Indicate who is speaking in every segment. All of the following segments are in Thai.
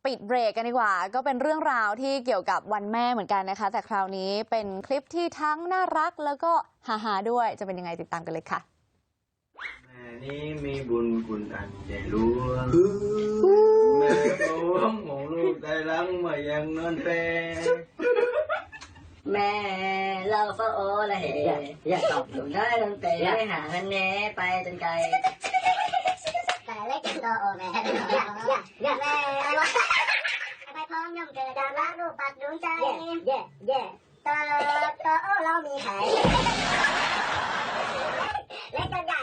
Speaker 1: ปิดเบรกกันดีกว่าก็เป็นเรื่องราวที่เกี่ยวกับวันแม่เหมือนกันนะคะแต่คราวนี้เป็นคลิปที่ทั้งน่ารักแล้วก็ฮาๆด้วยจะเป็นยังไงติดตามกันเลยค่ะ
Speaker 2: แม่นี้มีบุญคุณอันใหญ่หลวงแม่หลวงของลูกได้ลังมายังนอนแป
Speaker 3: แม่เราเฝ้าโอละเหอยากตอบหนูได้ตั้งแต่ไม่หาเงินแน่ไปจนไกลแต่เล็กจนโตโอแม่แม่อะไรวะไปพร้อมย่อมเกิดดาวรักลูกปัดดวงใจตอเรามีไข่เล็กจนใหญ่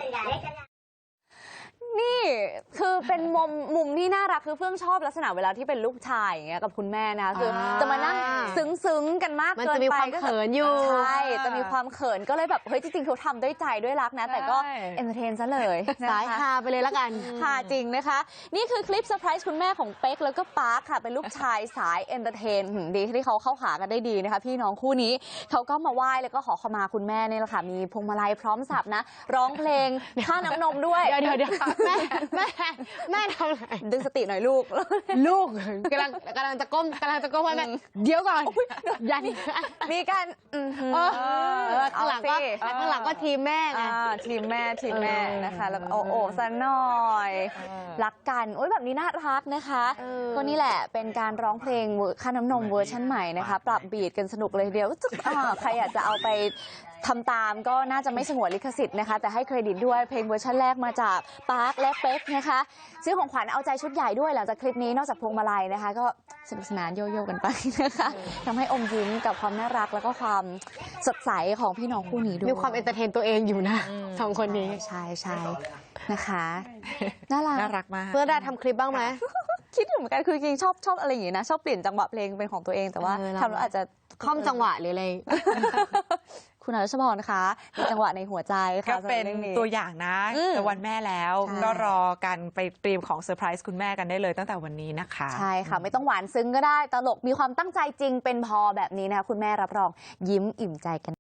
Speaker 1: นี่คือเป็นมุมที่น่ารักคือเฟื่องชอบลักษณะเวลาที่เป็นลูกชายอย่างเงี้ยกับคุณแม่นะคือจะมานั่งซึ้งกันมากเกินไป
Speaker 4: มันจะมีความเขินอยู่
Speaker 1: ใช่จะมีความเขินก็เลยแบบเฮ้ยจริงๆเขาทำด้วยใจด้วยรักนะแต่ก็เอนเตอร์เทนซะเลย
Speaker 4: สายฮาไปเลยละกัน
Speaker 1: ฮาจริงนะคะนี่คือคลิปเซอร์ไพรส์คุณแม่ของเป๊กแล้วก็ปาร์คค่ะเป็นลูกชายสายเอนเตอร์เทนดีที่เขาเข้าหากันได้ดีนะคะพี่น้องคู่นี้เขาก็มาไหว้แล้วก็ขอขมาคุณแม่นี่แหละค่ะมีพวงมาลัยพร้อมสับนะร้องเพลงค่าน้ำนมด้วย
Speaker 4: เดี๋ยวแม่ทำอะไร
Speaker 1: ดึงสติหน่อยลูก
Speaker 4: กำลังจะก้มไว้แม่เดี๋ยวก่อนยัน
Speaker 1: มีการ
Speaker 4: ข้างหลังก็ทีมแม่ไง
Speaker 1: ทีมแม่นะคะแล้วโอ้ซะหน่อยรักกันโอ้ยแบบนี้น่ารักนะคะก็นี่แหละเป็นการร้องเพลงค่าน้ำนมเวอร์ชันใหม่นะคะปรับบีทกันสนุกเลยเดียวใครอยากจะเอาไปทำตามก็น่าจะไม่สงวนลิขสิทธิ์นะคะแต่ให้เครดิตด้วยเพลงเวอร์ชันแรกมาจากปาร์คและเป๊กนะคะซื้อของขวัญเอาใจชุดใหญ่ด้วยหลังจากคลิปนี้นอกจากพวงมาลัยนะคะก็สนุกสนานโยโย่กันไปนะคะทำให้อมยิ้มกับความน่ารักแล้วก็ความสดใสของพี่น้องคู่นี้ด้วย
Speaker 4: มีความเอนเตอร์เทนตัวเองอยู่นะสองคนนี้
Speaker 1: ใช่นะคะน่ารัก
Speaker 4: มากเพื่อได้ทำคลิปบ้างไหม
Speaker 1: คิดอยู่เหมือนกันคือจริงชอบอะไรอย่างนี้นะชอบเปลี่ยนจังหวะเพลงเป็นของตัวเองแต่ว่าทำแล้วอาจจะ
Speaker 4: ค่อมจังหวะหรืออะไร
Speaker 1: คุณอรัชพรคะมีจังหวะในหัวใจ
Speaker 5: ก็เป็นตัวอย่างนะแต่วันแม่แล้วก็รอกันไปเตรียมของเซอร์ไพรส์คุณแม่กันได้เลยตั้งแต่วันนี้นะคะ
Speaker 1: ใช่ค่ะไม่ต้องหวานซึ้งก็ได้ตลกมีความตั้งใจจริงเป็นพอแบบนี้นะคะคุณแม่รับรองยิ้มอิ่มใจกัน